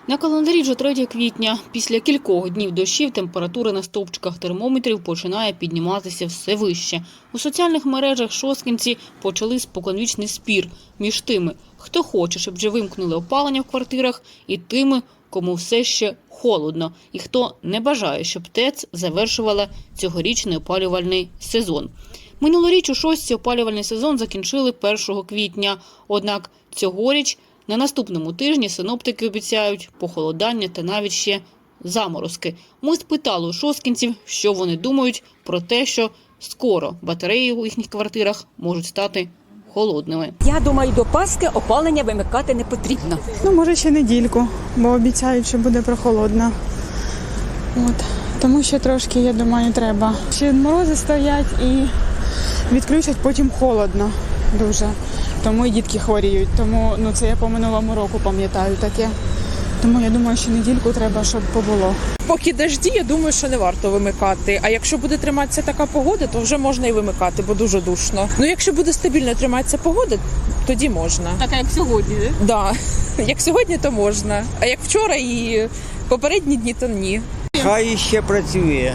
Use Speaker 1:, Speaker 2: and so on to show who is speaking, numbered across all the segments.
Speaker 1: На календарі вже 3 квітня. Після кількох днів дощів температура на стовпчиках термометрів починає підніматися все вище. У соціальних мережах шосткинці почали споконвічний спір між тими, хто хоче, щоб вже вимкнули опалення в квартирах, і тими, кому все ще холодно, і хто не бажає, щоб ТЕЦ завершувала цьогорічний опалювальний сезон. Минулоріч у Шостці опалювальний сезон закінчили 1 квітня. Однак цьогоріч на наступному тижні синоптики обіцяють похолодання та навіть ще заморозки. Ми спитали у шосткинців, що вони думають про те, що скоро батареї у їхніх квартирах можуть стати холодними.
Speaker 2: Я думаю, до Пасхи опалення вимикати не потрібно.
Speaker 3: Може ще недільку, бо обіцяють, що буде прохолодно. Тому що трошки, я думаю, треба. Ще морози стоять і відключать потім холодно дуже. Тому і дітки хворіють. Тому це я по минулому року пам'ятаю таке. Тому я думаю, що недільку треба, щоб побуло.
Speaker 4: Поки дожді, я думаю, що не варто вимикати. А якщо буде триматися така погода, то вже можна і вимикати, бо дуже душно. Якщо буде стабільно триматися погода, тоді можна.
Speaker 1: Така, як сьогодні, так?
Speaker 4: Да. Як сьогодні, то можна. А як вчора і попередні дні, то ні.
Speaker 5: Хай ще працює.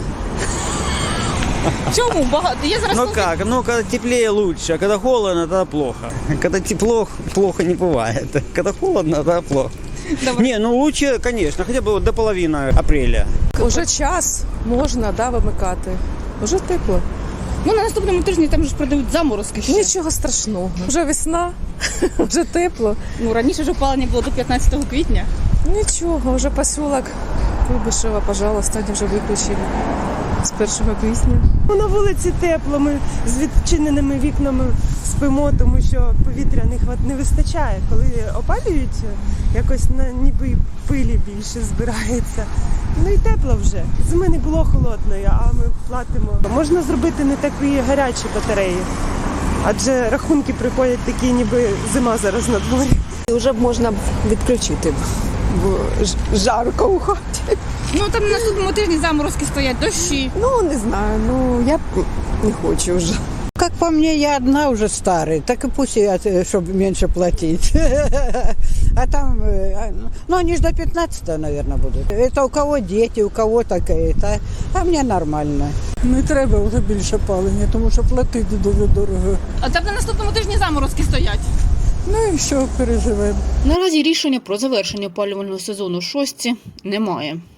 Speaker 1: Чому? Багато. Я зараз...
Speaker 5: Когда теплее лучше, а когда холодно, тогда плохо. Когда тепло, плохо не бывает. Когда холодно, тогда плохо. Не, лучше, конечно, хотя бы до половины апреля.
Speaker 4: Уже час можна, вимикати. Уже тепло.
Speaker 1: На наступному тижні там ж продають заморозки ще.
Speaker 4: Нічого страшного. Вже весна, вже тепло.
Speaker 1: Раніше ж опалення було до 15 квітня.
Speaker 4: Нічого, вже посілок Куйбишева, пожалуйста, вони вже виключили з 1 квітня.
Speaker 6: На вулиці тепло, ми з відчиненими вікнами спимо, тому що повітря не вистачає. Коли опалюють, якось ніби пилі більше збирається. І тепло вже. Зими не було холодної, а ми платимо. Можна зробити не такі гарячі батареї, адже рахунки приходять такі, ніби зима зараз на дворі.
Speaker 7: Вже б можна відключити, бо жарко у хаті.
Speaker 1: Там на наступному тижні заморозки стоять, дощі.
Speaker 7: Не знаю, я не хочу вже.
Speaker 8: Как по мне, я одна уже старая, так и пусть, чтобы меньше платить. А там, они же до 15-го, наверное, будут. Это у кого дети, у кого такое, а мне нормально.
Speaker 9: Не треба вже більше палення, тому що платити дуже дорого.
Speaker 1: А там на наступному тижні заморозки стоять.
Speaker 9: І що, переживемо.
Speaker 1: Наразі рішення про завершення опалювального сезону в Шостці немає.